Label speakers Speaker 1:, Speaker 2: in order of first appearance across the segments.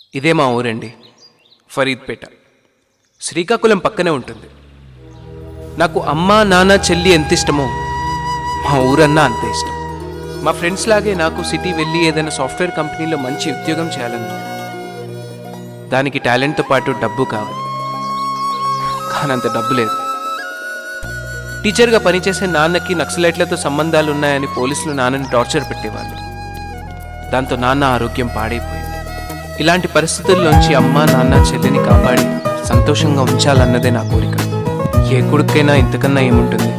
Speaker 1: ఇదే మా ఊరండి, ఫరీద్పేట. శ్రీకాకుళం పక్కనే ఉంటుంది. నాకు అమ్మ నాన్న చెల్లి ఎంత ఇష్టమో మా ఊరన్నా అంతే ఇష్టం. మా ఫ్రెండ్స్ లాగే నాకు సిటీ వెళ్ళి ఏదైనా సాఫ్ట్వేర్ కంపెనీలో మంచి ఉద్యోగం చేయాలని, దానికి టాలెంట్తో పాటు డబ్బు కావాలి. కానీ అంత డబ్బు లేదు. టీచర్గా పనిచేసే నాన్నకి నక్సలైట్లతో సంబంధాలు ఉన్నాయని పోలీసులు నాన్నని టార్చర్ పెట్టేవాళ్ళు. దాంతో నాన్న ఆరోగ్యం పాడైపోయింది. ఇలాంటి పరిస్థితుల్లోంచి అమ్మ నాన్న చెల్లిని కాపాడి సంతోషంగా ఉంచాలన్నదే నా కోరిక. ఏ కొడుకైనా ఇంతకన్నా ఏముంటుంది?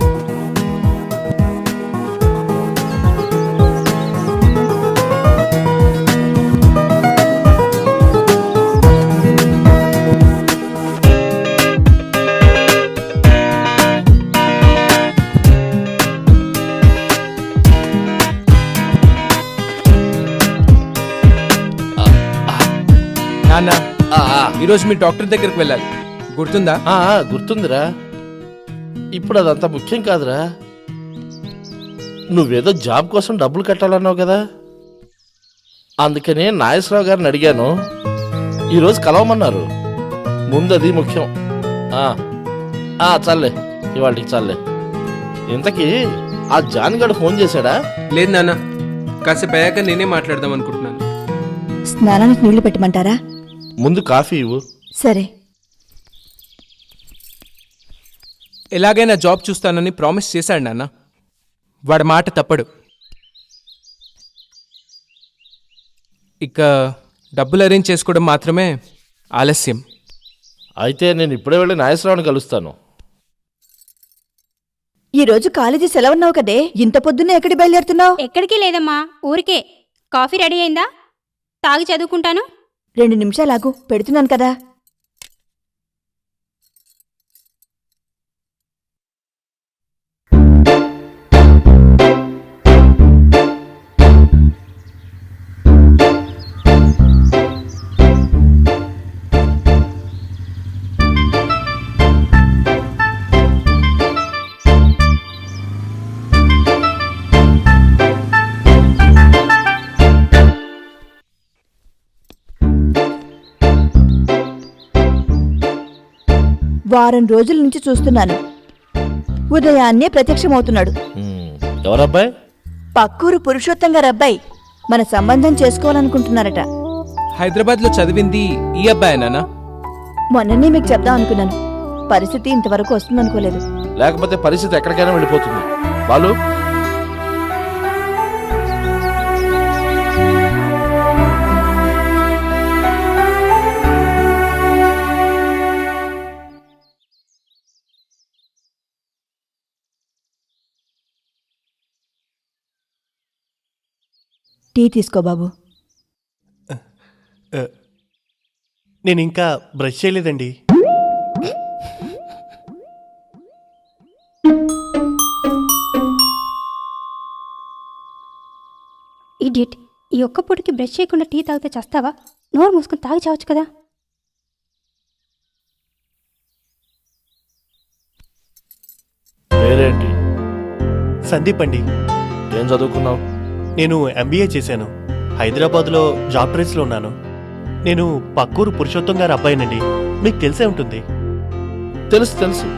Speaker 1: నాన్న, ఈరోజు మీ డాక్టర్ దగ్గరికి వెళ్ళాలి, గుర్తుందా?
Speaker 2: గుర్తుందిరా. ఇప్పుడు అదంతా ముఖ్యం కాదురా. నువ్వేదో జాబ్ కోసం డబ్బులు కట్టాలన్నావు కదా, అందుకనే నాగేశ్వరరావు గారిని అడిగాను. ఈరోజు కలవమన్నారు. ముందది ముఖ్యం. చాలే, ఇవాళకి చాలే. ఇంతకీ ఆ జాన్గాడు ఫోన్ చేశాడా?
Speaker 1: లేదు నాన్న, కాసేపు అయ్యాక నేనే మాట్లాడదాం అనుకుంటున్నాను.
Speaker 3: స్నానానికి నీళ్లు పెట్టమంటారా?
Speaker 2: ముందు కాఫీ ఇవ్వు.
Speaker 3: సరే.
Speaker 1: ఎలాగైనా జాబ్ చూస్తానని ప్రామిస్ చేశాడు నాన్న. వాడి మాట తప్పడు. ఇక డబ్బులు అరేంజ్ చేసుకోవడం మాత్రమే ఆలస్యం.
Speaker 2: అయితే నేను ఇప్పుడే వెళ్ళి నాగేశ్వరరావుని కలుస్తాను.
Speaker 3: ఈరోజు కాలేజీ సెలవున్నావు కదే, ఇంత పొద్దున్నే ఎక్కడికి బయలుదేరుతున్నావు?
Speaker 4: ఎక్కడికి లేదమ్మా, ఊరికే. కాఫీ రెడీ అయిందా? తాగి చదువుకుంటాను.
Speaker 3: 2 నిమిషాలాగు, పెడుతున్నాను కదా. వారం రోజుల నుంచి చూస్తున్నాను. ఉదయాన్నే ప్రత్యక్షమవుతున్నాడు.
Speaker 2: ఎవరబ్బాయి?
Speaker 3: పక్కూరు పురుషోత్తం గారు అబ్బాయి. మన సంబంధం చేసుకోవాలనుకుంటున్నారట.
Speaker 1: హైదరాబాద్లో చదివింది ఈ అబ్బాయి నాన్న.
Speaker 3: మొన్ననే మీకు చెప్దాం అనుకున్నాను. పరిస్థితి ఇంతవరకు వస్తుందనుకోలేదు.
Speaker 2: లేకపోతే పరిస్థితి ఎక్కడికైనా వెళ్ళిపోతుంది. వాళ్ళు
Speaker 3: టీ తీసుకో బాబు.
Speaker 5: నేను ఇంకా బ్రష్ చేయలేదండి.
Speaker 4: ఇడియట్, ఈ ఒక్క పూటకి బ్రష్ చేయకుండా టీ తాగితే చేస్తావా? నోరు మూసుకొని తాగి చావచ్చు కదా.
Speaker 2: పేరేంటి?
Speaker 5: సందీప్ అండి.
Speaker 2: ఏం చదువుకున్నావు?
Speaker 5: నేను MBA చేశాను. హైదరాబాద్లో జాబ్ ట్రైల్స్లో ఉన్నాను. నేను పక్కూరు పురుషోత్తం గారి అబ్బాయినండి. మీకు తెలిసే ఉంటుంది.
Speaker 2: తెలుసు.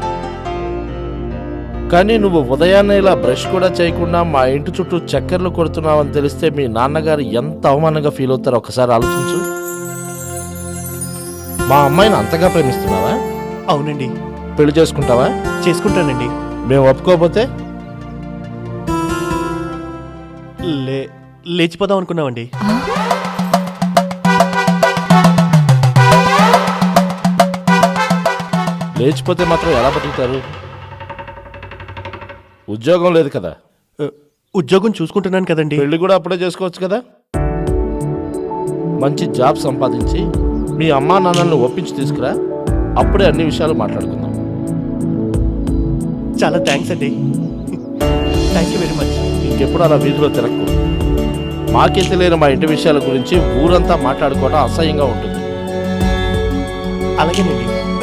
Speaker 2: కానీ నువ్వు ఉదయాన్నే ఇలా బ్రష్ కూడా చేయకుండా మా ఇంటి చుట్టూ చక్కర్లు కొడుతున్నావని తెలిస్తే మీ నాన్నగారు ఎంత అవమానంగా ఫీల్ అవుతారో ఒకసారి ఆలోచించు. మా అమ్మాయిని అంతగా ప్రేమిస్తున్నావా?
Speaker 5: అవునండి.
Speaker 2: పెళ్లి చేసుకుంటావా?
Speaker 5: చేసుకుంటానండి.
Speaker 2: మేము ఒప్పుకోకపోతే
Speaker 5: లేచిపోదాం అనుకున్నామండి.
Speaker 2: లేచిపోతే మాత్రం ఎలా బతుకుతారు? ఉద్యోగం లేదు కదా.
Speaker 5: ఉద్యోగం చూసుకుంటున్నాను కదండి.
Speaker 2: పెళ్లి కూడా అప్పుడే చేసుకోవచ్చు కదా. మంచి జాబ్ సంపాదించి మీ అమ్మా నాన్నల్ని ఒప్పించి తీసుకురా, అప్పుడే అన్ని విషయాలు మాట్లాడుకుందాం.
Speaker 5: చాలా థ్యాంక్స్ అండి. Thank you very much.
Speaker 2: ఇంకెప్పుడు అలా వీధిలో తిరగకు. మాకే తెలియని మా ఇంటి విషయాల గురించి ఊరంతా మాట్లాడుకోవడం అసహ్యంగా ఉంటుంది.
Speaker 5: అలాగేనండి.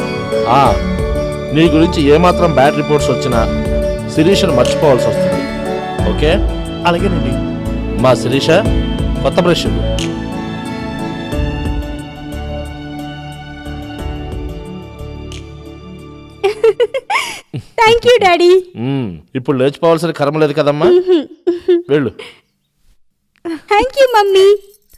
Speaker 2: నీ గురించి ఏమాత్రం బ్యాడ్ రిపోర్ట్స్ వచ్చినా శిరీషను మర్చిపోవాల్సి వస్తుంది. ఓకే?
Speaker 5: అలాగేనండి.
Speaker 2: మా శిరీష, కొత్త బ్రష్.
Speaker 4: Thank you daddy.
Speaker 2: ఇప్పుడు లేచిపోవాల్సిన కర్మ లేదు కదమ్మా. వెళ్ళు.
Speaker 4: Thank you mummy.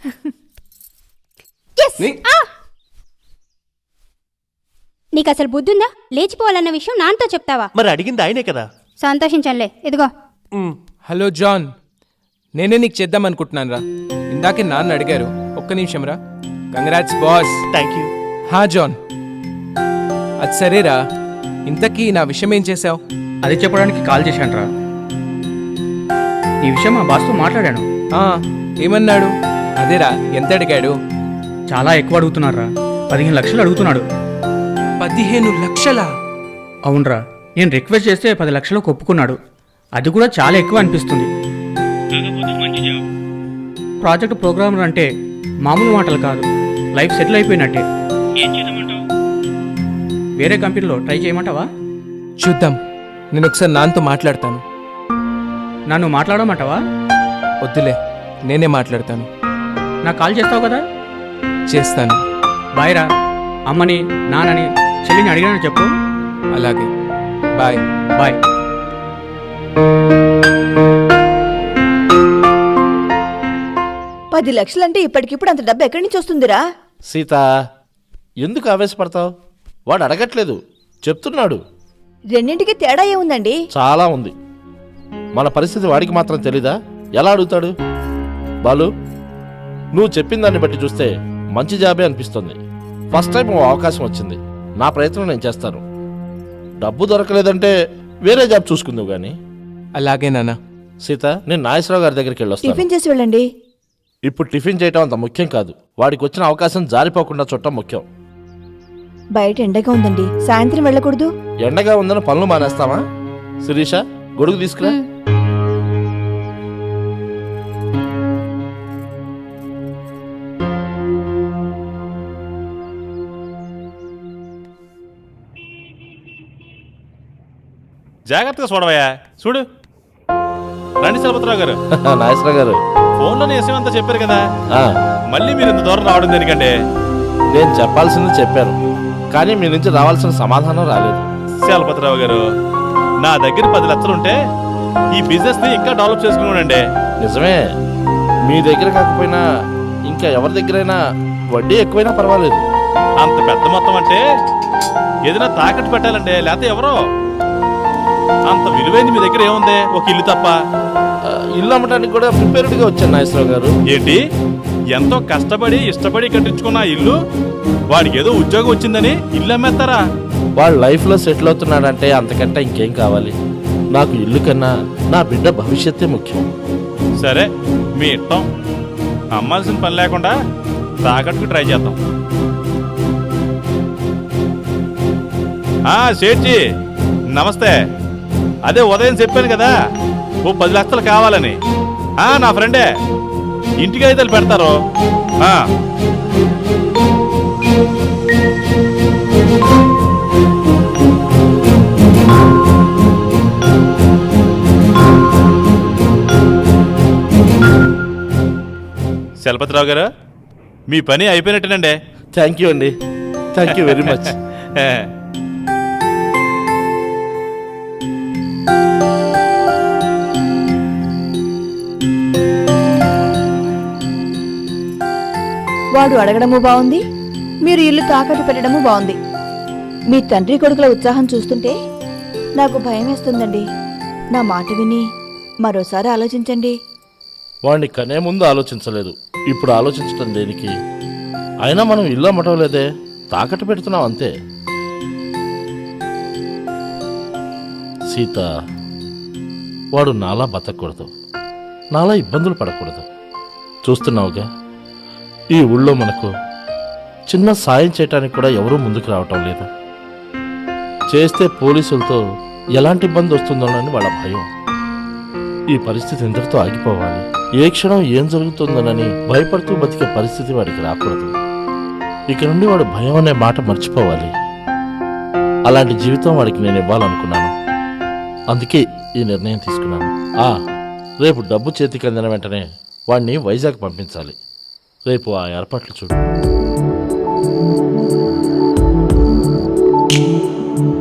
Speaker 4: నీకు అసలు బుద్ధి ఉందా? లేచిపోవాలన్న విషయం నాన్నతో చెప్తావా?
Speaker 5: మరి అడిగింది ఆయనే కదా.
Speaker 4: సంతోషించంలే. ఇదిగో.
Speaker 1: హలో జాన్, నేనే నీకు చేద్దాం అనుకుంటున్నాను రా. ఇందాకే నాన్న అడిగారు. ఒక్క నిమిషం రా. Congrats boss.
Speaker 5: Thank you.
Speaker 1: హా జాన్, అది సరేరా, ఇంతకీ నా విషయం ఏం చేసావు?
Speaker 6: అది చెప్పడానికి కాల్ చేశానురా. ఈ విషయం మా బాస్తో మాట్లాడాను.
Speaker 1: ఏమన్నాడు? అదేరా, ఎంత అడిగాడు?
Speaker 6: చాలా ఎక్కువ అడుగుతున్నారా. 15 లక్షలు అడుగుతున్నాడు.
Speaker 1: 15 లక్షలా?
Speaker 6: అవునరా, నేను రిక్వెస్ట్ చేస్తే 10 లక్షలకు ఒప్పుకున్నాడు. అది కూడా చాలా ఎక్కువ అనిపిస్తుంది. ప్రాజెక్ట్ ప్రోగ్రామర్ అంటే మామూలు మాటలు కాదు, లైఫ్ సెటిల్ అయిపోయినట్టే. వేరే కంపెనీలో ట్రై చేయమంటావా?
Speaker 1: చూద్దాం, నేను ఒకసారి నాన్నతో మాట్లాడతాను.
Speaker 6: నన్ను మాట్లాడమంటావా?
Speaker 1: వద్దులే, నేనే మాట్లాడతాను.
Speaker 6: నాకు కాల్ చేస్తావు కదా?
Speaker 1: చేస్తాను.
Speaker 6: బాయ్ రా. అమ్మని, నాన్నని, చెల్లిని అడిగానని చెప్పు.
Speaker 1: అలాగే, బాయ్.
Speaker 6: బాయ్.
Speaker 3: పది లక్షలంటే ఇప్పటికిప్పుడు అంత డబ్బు ఎక్కడి నుంచి వస్తుందిరా?
Speaker 2: సీత, ఎందుకు ఆవేశపడతావు? వాడు అడగట్లేదు, చెప్తున్నాడు.
Speaker 3: రెండింటికి తేడా ఏముందండి?
Speaker 2: చాలా ఉంది. మన పరిస్థితి వాడికి మాత్రం తెలీదా? ఎలా అడుగుతాడు? బాలు, నువ్వు చెప్పిన దాన్ని బట్టి చూస్తే మంచి జాబే అనిపిస్తుంది. ఫస్ట్ టైం ఓ అవకాశం వచ్చింది. నా ప్రయత్నం నేను చేస్తాను. డబ్బు దొరకలేదంటే వేరే జాబ్ చూసుకుందావు గానీ.
Speaker 1: అలాగే నాన్న.
Speaker 2: సీత, నేను నాగేశ్వరరావు గారి దగ్గరికి వెళ్ళొస్తాను.
Speaker 3: టిఫిన్ చేసి వెళ్ళండి.
Speaker 2: ఇప్పుడు టిఫిన్ చేయటం అంత ముఖ్యం కాదు. వాడికి వచ్చిన అవకాశం జారిపోకుండా చూడటం ముఖ్యం.
Speaker 3: బయట ఎండగా ఉందండి, సాయంత్రం వెళ్ళకూడదు.
Speaker 2: ఎండగా ఉందని పనులు మానేస్తావా? శిరీష, గొడుగు తీసుకురా.
Speaker 7: జాగ్రత్తగా చూడవయ్యా. చూడు. రండి చలపతిరావు గారు.
Speaker 2: నాగేశ్వరరావు గారు,
Speaker 7: ఫోన్లోనే విషయం అంతా చెప్పారు కదా,
Speaker 2: ఆ,
Speaker 7: మళ్ళీ మీరు ఇంత దూరం రావడం దేనికంటే?
Speaker 2: నేను చెప్పాల్సింది చెప్పాను, కానీ మీ నుంచి రావాల్సిన సమాధానం రాలేదు.
Speaker 7: చలపతిరావు గారు, నా దగ్గర 10 లక్షలు ఉంటే ఈ బిజినెస్ ని ఇంకా డెవలప్ చేసుకున్నానండి.
Speaker 2: నిజమే, మీ దగ్గర కాకపోయినా ఇంకా ఎవరి దగ్గరైనా వడ్డీ ఎక్కువైనా పర్వాలేదు.
Speaker 7: అంత పెద్ద మొత్తం అంటే ఏదైనా తాకట్టు పెట్టాలండి, లేకపోతే ఎవరో. అంత విలువైంది మీ దగ్గర ఏముంది? ఒక ఇల్లు తప్ప.
Speaker 2: ఇల్లు అమ్మటానికి కూడా ప్రిపేర్డ్గా వచ్చాను నాగేశ్వరరావు గారు.
Speaker 7: ఏంటి, ఎంతో కష్టపడి ఇష్టపడి కట్టించుకున్న ఆ ఇల్లు వాడికి ఏదో ఉద్యోగం వచ్చిందని ఇల్లు అమ్మేస్తారా?
Speaker 2: వాడు లైఫ్లో సెటిల్ అవుతున్నాడంటే అంతకంటే ఇంకేం కావాలి? నాకు ఇల్లు కన్నా నా బిడ్డ భవిష్యత్తే ముఖ్యం.
Speaker 7: సరే, మీ ఇష్టం. అమ్మాల్సిన పని లేకుండా తాకట్టుకు ట్రై చేద్దాం. షేట్జీ నమస్తే. అదే ఉదయం చెప్పాను కదా, ఓ 10 లక్షలు కావాలని. నా ఫ్రెండే, ఇంటికి అయితే పెడతారు. చలపతిరావు గారు, మీ పని అయిపోయినట్టేనండి.
Speaker 2: థ్యాంక్ యూ అండి, థ్యాంక్ యూ వెరీ మచ్.
Speaker 3: వాడు అడగడము బాగుంది, మీరు ఇల్లు తాకట్టు పెట్టడము బాగుంది. మీ తండ్రి కొడుకుల ఉత్సాహం చూస్తుంటే నాకు భయం వేస్తుందండి. నా మాట విని మరోసారి ఆలోచించండి.
Speaker 2: వాడిని కనే ముందు ఆలోచించలేదు, ఇప్పుడు ఆలోచించటం దేనికి? అయినా మనం ఇల్లు అమ్మటం లేదే, తాకట్టు పెడుతున్నాం అంతే. సీత, వాడు నాలా బతకూడదు, నాలా ఇబ్బందులు పడకూడదు. చూస్తున్నావుగా, ఈ ఊళ్ళో మనకు చిన్న సాయం చేయటానికి కూడా ఎవరూ ముందుకు రావటం లేదు. చేస్తే పోలీసులతో ఎలాంటి ఇబ్బంది వస్తుందోనని వాళ్ళ భయం. ఈ పరిస్థితి ఇంతటితో ఆగిపోవాలి. ఏ క్షణం ఏం జరుగుతుందోనని భయపడుతూ బతికే పరిస్థితి వాడికి రాకూడదు. ఇక నుండి వాడు భయం అనే మాట మర్చిపోవాలి. అలాంటి జీవితం వాడికి నేను ఇవ్వాలనుకున్నాను. అందుకే ఈ నిర్ణయం తీసుకున్నాను. రేపు డబ్బు చేతికి అందిన వెంటనే వాడిని వైజాగ్ పంపించాలి. రేపు ఆ ఏర్పాట్లు చూడు.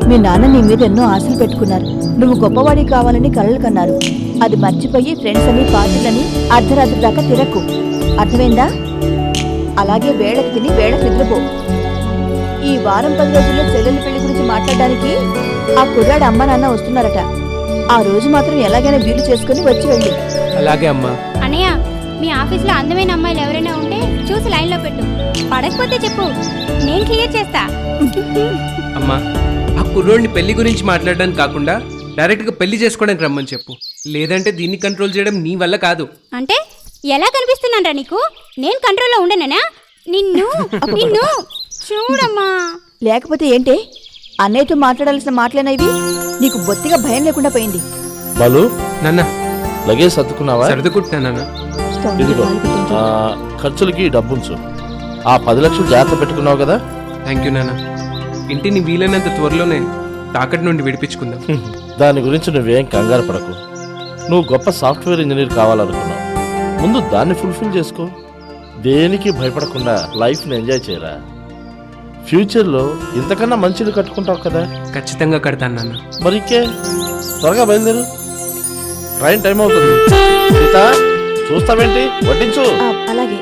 Speaker 3: మీ నాన్న నీ మీద ఎన్నో ఆశలు పెట్టుకున్నారు. నువ్వు గొప్పవాడి కావాలని కలలు కన్నారు. అది మర్చిపోయి ఫ్రెండ్స్ అని పార్టీలని అర్ధరాత్రి దాకా తిరక్కు. అర్థమైందా? అలాగే వేళకి తిని వేళకి నిద్రపో. ఈ వారం 10 రోజుల్లో చెల్లెలి పెళ్లి గురించి మాట్లాడడానికి ఆ కుర్రాడు అమ్మ నాన్న వస్తున్నారట. ఆ రోజు మాత్రం ఎలాగైనా వీలు చేసుకుని వచ్చి వెళ్ళి.
Speaker 1: అలాగే అమ్మా.
Speaker 4: అన్నయ్య, మీ ఆఫీస్లో అందమైన అమ్మాయిలు ఎవరైనా ఉంటే చూసి లైన్లో పెట్టు. పడకపోతే చెప్పు, నేను క్లియర్ చేస్తా.
Speaker 1: అమ్మా, ఆ కుర్రోడిని పెళ్లి గురించి మాట్లాడడానికి కాకుండా డైరెక్ట్గా పెళ్లి చేసుకోవడానికి రమ్మని చెప్పు. లేదంటే దీన్ని కంట్రోల్ చేయడం నీ వల్ల కాదు.
Speaker 4: అంటే ఎలా కనిపిస్తున్నానరా నీకు? నేను కంట్రోల్లో ఉండనేనా? నిన్ను నిన్ను చూడమ్మా.
Speaker 3: లేకపోతే ఏంటే అన్నయ్యతో మాట్లాడాల్సిన మాటలేనా ఇవి? నీకు బొత్తిగా భయం లేకుండా పోయింది.
Speaker 2: బాలు,
Speaker 1: నాన్న,
Speaker 2: లగేజ్ సర్దుకున్నావా?
Speaker 1: సర్దుకుంటున్నానన్న.
Speaker 3: స్టవ్ మీద
Speaker 2: ఇదిగో
Speaker 3: పాలు పెట్టించు.
Speaker 2: ఖర్చులకి డబ్బుంచు. ఆ 10 లక్షలు జాగ్రత్త పెట్టుకున్నావు కదా?
Speaker 1: థ్యాంక్ యూ నాన్న. ఇంటిని వీలైనంత త్వరలోనే తాకట్టు నుండి విడిపించుకుందాం.
Speaker 2: దాని గురించి నువ్వేం కంగారు పడకు. నువ్వు గొప్ప సాఫ్ట్వేర్ ఇంజనీర్ కావాలనుకున్నావు. ముందు దాన్ని ఫుల్ఫిల్ చేసుకో. దేనికి భయపడకుండా లైఫ్ని ఎంజాయ్ చేయరా. ఫ్యూచర్లో ఇంతకన్నా మంచిది కట్టుకుంటావు కదా.
Speaker 1: ఖచ్చితంగా కడతాను నాన్న.
Speaker 2: మరికే త్వరగా బయలుదేరు, ట్రైన్ టైం అవుతుంది. సీత, చూస్తావేంటి? వడ్డించు.
Speaker 3: అలాగే.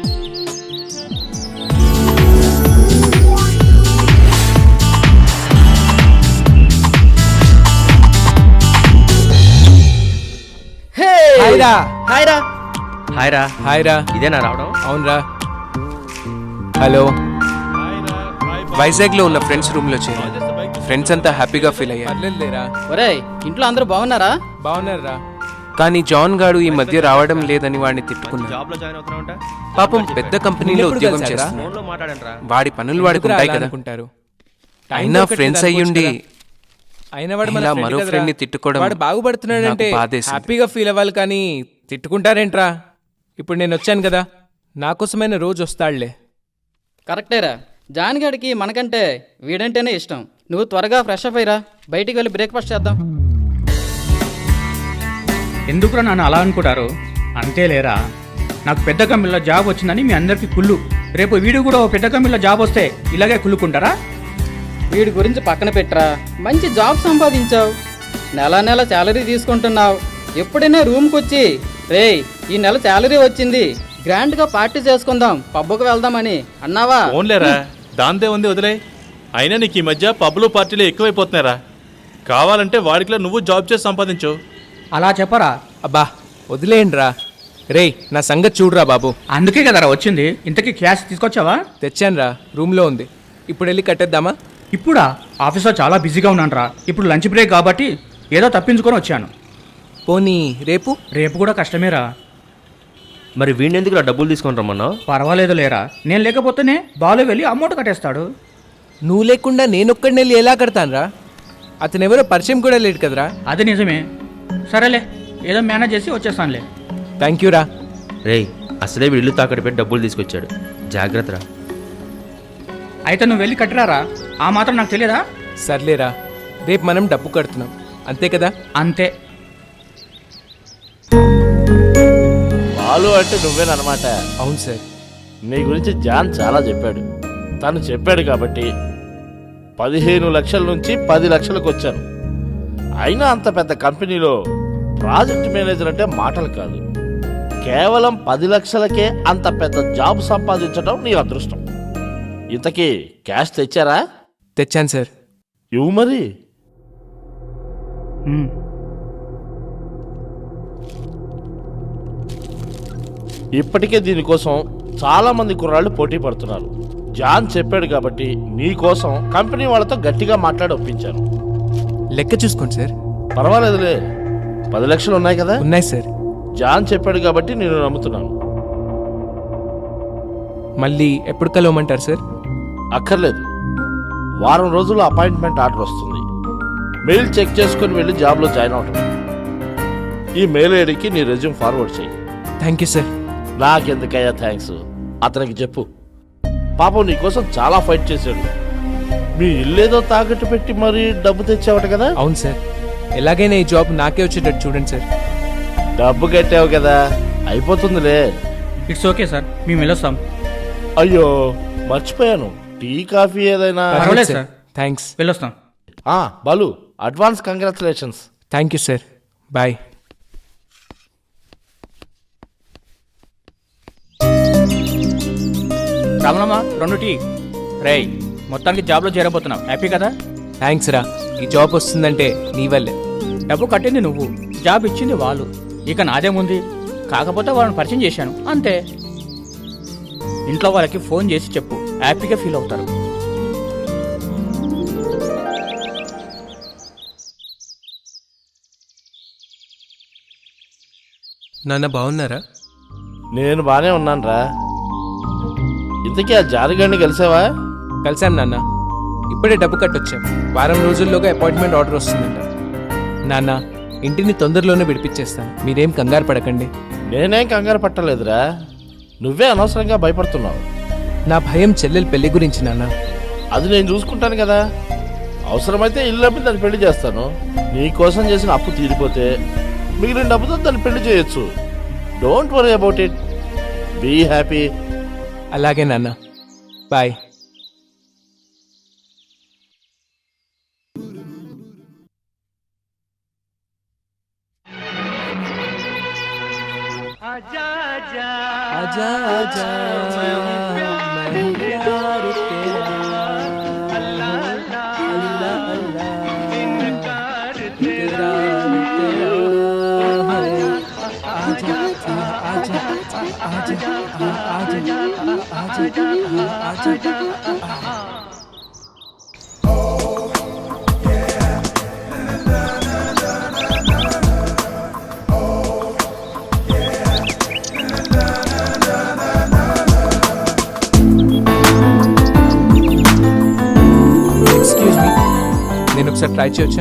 Speaker 1: హాయ్ రా.
Speaker 8: హాయ్ రా. హాయ్ రా.
Speaker 1: హాయ్ రా.
Speaker 8: ఇదేనా రావడం?
Speaker 1: అవునరా. హలో. వైజాగ్లో ఉన్న ఫ్రెండ్స్ రూమ్లో చేరాను. ఫ్రెండ్స్ అంతా హ్యాపీగా ఫీల్ అయ్యారు. లేరా
Speaker 8: ఒరేయ్, ఇంట్లో అందరూ బాగున్నారా?
Speaker 1: బాగున్నారా? కానీ జాన్ గాడు ఈ మధ్య రావడం లేదని వాడిని తిట్టుకున్నాడు.
Speaker 5: జాబ్ లో జాయిన్ అవుతున్నావు అంట.
Speaker 1: పాపం పెద్ద కంపెనీలో ఉద్యోగం చేస్తున్నాడు.
Speaker 5: ఫోన్ లో మాట్లాడండి రా.
Speaker 1: వాడి పనులు వాడికి ఉంటాయి కదా. అయినా ఫ్రెండ్స్ అయ్యుండి ఇలా మరో ఫ్రెండ్ ని తిట్టుకోవడం
Speaker 9: వాడు బాగుపడుతున్నాడంటే
Speaker 1: నాకు బాధేసింది.
Speaker 9: హ్యాపీగా ఫీల్ అవ్వాలి, కానీ తిట్టుకుంటారేంట్రా? ఇప్పుడు నేను వచ్చాను కదా, నా కోసమైన రోజు వస్తాడులే.
Speaker 8: కరెక్టేరా. జాన్ గడికి మనకంటే వీడంటేనే ఇష్టం. నువ్వు త్వరగా ఫ్రెష్ అప్ అయ్యిరా. బయటికి వెళ్ళి బ్రేక్ఫాస్ట్ చేద్దాం.
Speaker 6: ఎందుకురా నన్ను అలా అనుకుంటారు? అంతేలేరా, నాకు పెద్ద కంపెనీలో జాబ్ వచ్చిందని మీ అందరికీ కుళ్ళు. రేపు వీడు కూడా ఓ పెద్ద కంపెనీలో జాబ్ వస్తే ఇలాగే కుళ్ళుకుంటారా?
Speaker 8: వీడి గురించి పక్కన పెట్టరా. మంచి జాబ్ సంపాదించావు, నెల నెల శాలరీ తీసుకుంటున్నావు. ఎప్పుడైనా రూమ్కి వచ్చి రేయ్ ఈ నెల శాలరీ వచ్చింది, గ్రాండ్గా పార్టీ చేసుకుందాం, పబ్బుకు వెళ్దామని అన్నావా?
Speaker 7: ఓన్లేరా, దాందే ఉంది, వదిలే. అయినా నీకు ఈ మధ్య పబ్బులు పార్టీలు ఎక్కువైపోతున్నారా. కావాలంటే వాడికిలా నువ్వు జాబ్ చేసి సంపాదించు.
Speaker 6: అలా చెప్పరా?
Speaker 9: అబ్బా వదిలేయండిరా. రేయ్ నా సంగతి చూడురా బాబు.
Speaker 6: అందుకే కదరా వచ్చింది. ఇంతకీ క్యాష్ తీసుకొచ్చావా?
Speaker 9: తెచ్చానురా, రూమ్లో ఉంది. ఇప్పుడు వెళ్ళి కట్టేద్దామా?
Speaker 6: ఇప్పుడా? ఆఫీస్లో చాలా బిజీగా ఉన్నానురా. ఇప్పుడు లంచ్ బ్రేక్ కాబట్టి ఏదో తప్పించుకొని వచ్చాను.
Speaker 9: పోనీ రేపు?
Speaker 6: రేపు కూడా కష్టమేరా.
Speaker 5: మరి వీణెందుకు డబ్బులు తీసుకొని రమ్మన్నావు?
Speaker 6: పర్వాలేదు లేరా, నేను లేకపోతేనే బాలు వెళ్ళి అమౌంట్ కట్టేస్తాడు.
Speaker 9: నువ్వు లేకుండా నేనొక్కడిని వెళ్ళి ఎలా కడతానురా? అతను ఎవరో పరిచయం కూడా లేడు కదరా.
Speaker 6: అది నిజమే. సరేలే, ఏదో మేనేజ్ చేసి వచ్చేస్తానులే.
Speaker 9: థ్యాంక్ యూ రా.
Speaker 10: రేయ్, అసలే వీళ్ళు తాకట్టు పెట్టి డబ్బులు తీసుకొచ్చాడు, జాగ్రత్తరా.
Speaker 6: అయితే నువ్వు వెళ్ళి కట్టరారా. ఆ మాత్రం నాకు తెలియదా?
Speaker 9: సర్లేరా, రేపు మనం డబ్బు కడుతున్నాం అంతే కదా?
Speaker 6: అంతే.
Speaker 2: బాలు అంటే నువ్వేనమాట.
Speaker 9: అవును సార్.
Speaker 2: నీ గురించి జాన్ చాలా చెప్పాడు. తను చెప్పాడు కాబట్టి 15 లక్షల నుంచి 10 లక్షలకు వచ్చాను. అయినా అంత పెద్ద కంపెనీలో ప్రాజెక్ట్ మేనేజర్ అంటే మాటలు కాదు. కేవలం 10 లక్షలకే అంత పెద్ద జాబ్ సంపాదించడం నీ అదృష్టం. ఇంతకీ క్యాష్ తెచ్చారా?
Speaker 9: తెచ్చాను సార్.
Speaker 2: ఇవ్వు మరి. ఇప్పటికే దీనికోసం చాలా మంది కుర్రాళ్ళు పోటీ పడుతున్నారు. జాన్ చెప్పాడు కాబట్టి నీ కోసం కంపెనీ వాళ్ళతో గట్టిగా మాట్లాడి ఒప్పించాను.
Speaker 9: లెక్క చూసుకోండి సార్.
Speaker 2: పర్వాలేదులే, 10 లక్షలు ఉన్నాయి కదా.
Speaker 9: ఉన్నాయి సార్.
Speaker 2: జాన్ చెప్పాడు కాబట్టి నేను నమ్ముతున్నాను.
Speaker 9: మళ్ళీ ఎప్పుడు కలవమంటారు సార్?
Speaker 2: అక్కర్లేదు, వారం రోజుల్లో అపాయింట్మెంట్ ఆర్డర్ వస్తుంది. మెయిల్ చెక్ చేసుకుని వెళ్ళి జాబ్లో జాయిన్ అవటం. ఈ మెయిల్ ఐడికి నీ రెజ్యూమ్ ఫార్వర్డ్ చేయి.
Speaker 9: Thank you sir.
Speaker 2: నాకెందుకయ్యా థ్యాంక్స్, అతనికి చెప్పు. పాపం నీకోసం చాలా ఫైట్ చేశాడు. మీ ఇల్లేదో తాకట్టు పెట్టి మరీ డబ్బు తెచ్చావట కదా.
Speaker 9: అవును సార్. ఎలాగైనా ఈ జాబ్ నాకే వచ్చేటట్టు చూడండి సార్.
Speaker 2: డబ్బు కట్టావు కదా, అయిపోతుందిలే.
Speaker 6: ఇట్స్ ఓకే సార్, మేము వెళ్ళొస్తాం.
Speaker 2: అయ్యో మర్చిపోయాను, టీ కాఫీ ఏదైనా.
Speaker 6: పర్వాలేదు సార్,
Speaker 9: థ్యాంక్స్.
Speaker 6: వెళ్ళొస్తాం.
Speaker 2: Balu, advance congratulations.
Speaker 1: Thank you sir. Bye.
Speaker 6: Ramanamma 2 tea. రేయ్, మొత్తానికి జాబ్లో చేరబోతున్నావు, హ్యాపీ కదా?
Speaker 1: థ్యాంక్స్ రా. ఈ జాబ్ వస్తుందంటే నీ వల్లే.
Speaker 6: డబ్బు కట్టింది నువ్వు, జాబ్ ఇచ్చింది వాళ్ళు. ఇక నాదేముంది, కాకపోతే వాళ్ళని పరిచయం చేశాను అంతే. ఇంట్లో వాళ్ళకి ఫోన్ చేసి చెప్పు, హ్యాపీగా ఫీల్ అవుతారు.
Speaker 1: నాన్న బాగున్నారా?
Speaker 2: నేను బానే ఉన్నాను రా. ఇంతకీ ఆ జారిగాడిని కలిసావా?
Speaker 1: కలిసాం నాన్న. ఇప్పుడే డబ్బు కట్టొచ్చాం. వారం రోజుల్లోగా అపాయింట్మెంట్ ఆర్డర్ వస్తుందంట. నాన్న, ఇంటిని తొందరలోనే విడిపించేస్తాను, మీరేం కంగారు పడకండి.
Speaker 2: నేనేం కంగారు పట్టలేదురా, నువ్వే అనవసరంగా భయపడుతున్నావు.
Speaker 1: నా భయం చెల్లెలు పెళ్లి గురించి నాన్న.
Speaker 2: అది నేను చూసుకుంటాను కదా. అవసరమైతే ఇల్లు అమ్మి దాన్ని పెళ్లి చేస్తాను. నీకోసం చేసిన అప్పు తీరిపోతే మిగిలిన డబ్బుతో దాన్ని పెళ్లి చేయొచ్చు. Don't worry about it, be happy.
Speaker 1: అలాగే నాన్న, బాయ్. आजा आजा मैं हूँ प्यार तेरा, अल्लाह अल्लाह अल्लाह इनकार तेरा तेरा है। आजा आजा आजा आजा आजा आजा। నేను ఒకసారి ట్రై చేయొచ్చా?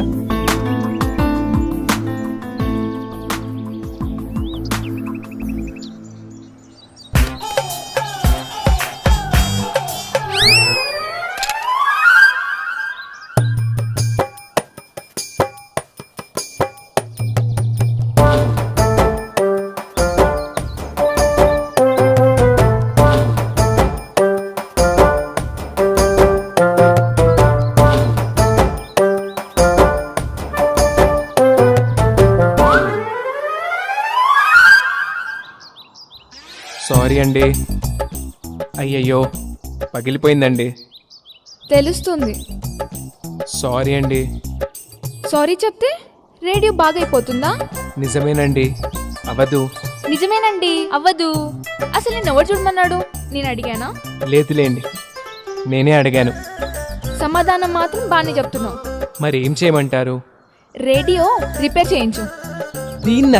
Speaker 1: సారీ అండి. అయ్యయ్యో, పగిలిపోయిందండి.
Speaker 11: తెలుస్తుంది.
Speaker 1: సారీ అండి.
Speaker 11: సారీ చెప్తే రేడియో బాగైపోతుందా?
Speaker 1: నిజమేనండి, అవ్వదు.
Speaker 11: నిజమేనండి, అవ్వదు. అసలు నేను ఎవరు చూడమన్నాడు? నేను అడిగానా?
Speaker 1: లేదులేండి, నేనే అడిగాను.
Speaker 11: సమాధానం మాత్రం బాగానే చెప్తున్నావు.
Speaker 1: మరి ఏం చేయమంటారు?
Speaker 11: రేడియో రిపేర్ చేయించు.
Speaker 1: దీన్నా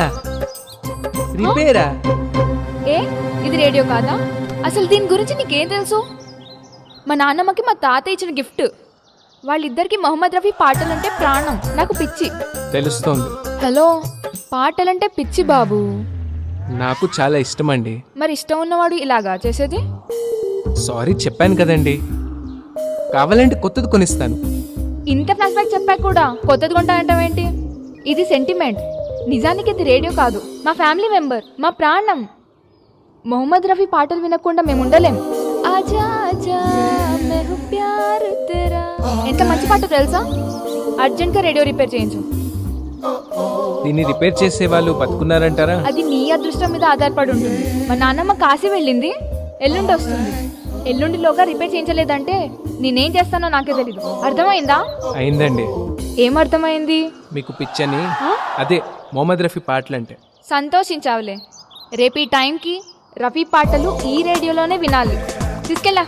Speaker 1: రిపేరా?
Speaker 11: ఏ, ఇది రేడియో కాదా? అసలు దీని గురించి నీకేం తెలుసు? మా నాన్నమ్మకి మా తాత ఇచ్చిన గిఫ్ట్. వాళ్ళిద్దరికి మొహమ్మద్ రఫీ పాటలంటే ప్రాణం, నాకు పిచ్చి.
Speaker 1: తెలుస్తోంది.
Speaker 11: హలో, పాటలంటే పిచ్చి బాబు.
Speaker 1: నాకు చాలా ఇష్టం అండి.
Speaker 11: మరి ఇష్టం ఉన్నవాడు ఇలాగా చేసేది?
Speaker 1: సారీ చెప్పాను కదండి, కావాలంటే కొత్తది కొనిస్తాను.
Speaker 11: ఇంత ఫ్లాష్ బ్యాక్ చెప్పాక కూడా కొత్తది కొంటానంటావేంటి? ఇది సెంటిమెంట్. నిజానికి ఇది రేడియో కాదు, మా ఫ్యామిలీ మెంబర్, మా ప్రాణం. మొహమ్మద్ రఫీ పాటలు వినకుండా మేము ఉండలేం. ఆజా ఆజా మే హూ ప్యార్ తెరా. ఎంత మంచి పాట తెలుసా? అర్జెంట్గా రేడియో రిపేర్ చేయించు.
Speaker 1: దీన్ని రిపేర్ చేసే వాళ్ళు బతుకున్నారంటారా?
Speaker 11: అది నీ అదృష్టం మీద ఆధారపడి ఉంటుంది. మా నాన్నమ్మ కాశీ వెళ్ళింది, ఎల్లుండి వస్తుంది. ఎల్లుండిలోగా రిపేర్ చేయించలేదంటే నేనేం చేస్తానో నాకే తెలీదు. అర్థమైందా?
Speaker 1: అయిందండి.
Speaker 11: ఏం అర్థమైంది?
Speaker 1: మీకు పిచ్చని, అదే మొహమ్మద్ రఫీ పాటలంటే.
Speaker 11: సంతోషించావులే. రేపు ఈ టైంకి రఫీ పాటలు ఈ రేడియోలోనే వినాలి. తీసుకెళ్ళా.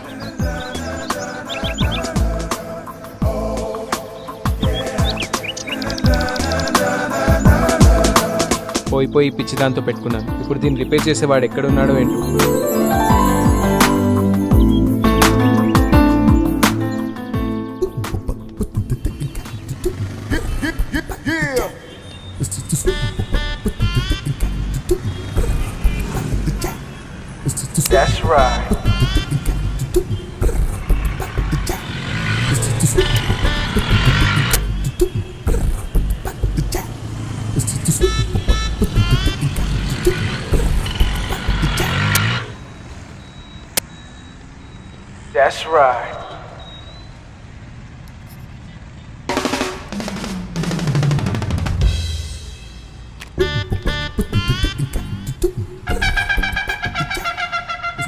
Speaker 1: పోయి పిచ్చి దాంతో పెట్టుకున్నాను. ఇప్పుడు దీన్ని రిపేర్ చేసేవాడు ఎక్కడున్నాడో ఏంటో.
Speaker 12: That's right. That's right.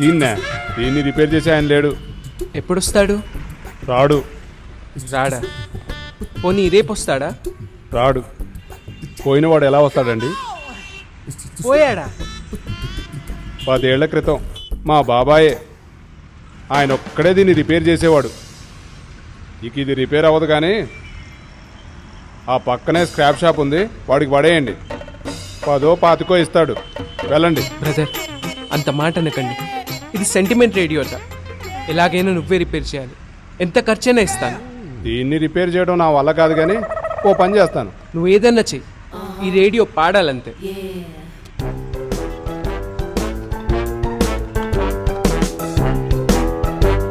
Speaker 7: దీన్ని రిపేర్ చేసి ఆయన లేడు.
Speaker 1: ఎప్పుడొస్తాడు?
Speaker 7: రాడు.
Speaker 1: రాడా? పోనీ రేపు వస్తాడా?
Speaker 7: రాడు. పోయినవాడు ఎలా వస్తాడండి?
Speaker 1: పోయాడా?
Speaker 7: 10 ఏళ్ల క్రితం మా బాబాయే, ఆయన ఒక్కడే దీన్ని రిపేర్ చేసేవాడు. ఇక ఇది రిపేర్ అవ్వదు కానీ ఆ పక్కనే స్క్రాప్ షాప్ ఉంది, వాడికి పడేయండి. 10-25 ఇస్తాడు. వెళ్ళండి.
Speaker 1: బ్రదర్, అంత మాట అనకండి. ఇది సెంటిమెంట్ రేడియోట. ఎలాగైనా నువ్వే రిపేర్ చేయాలి. ఎంత ఖర్చైనా ఇస్తాను.
Speaker 7: దీన్ని రిపేర్ చేయడం నా వల్ల కాదు కానీ ఓ పని చేస్తాను.
Speaker 1: నువ్వు ఏదన్నా చెయ్యి, ఈ రేడియో పాడాలంతే.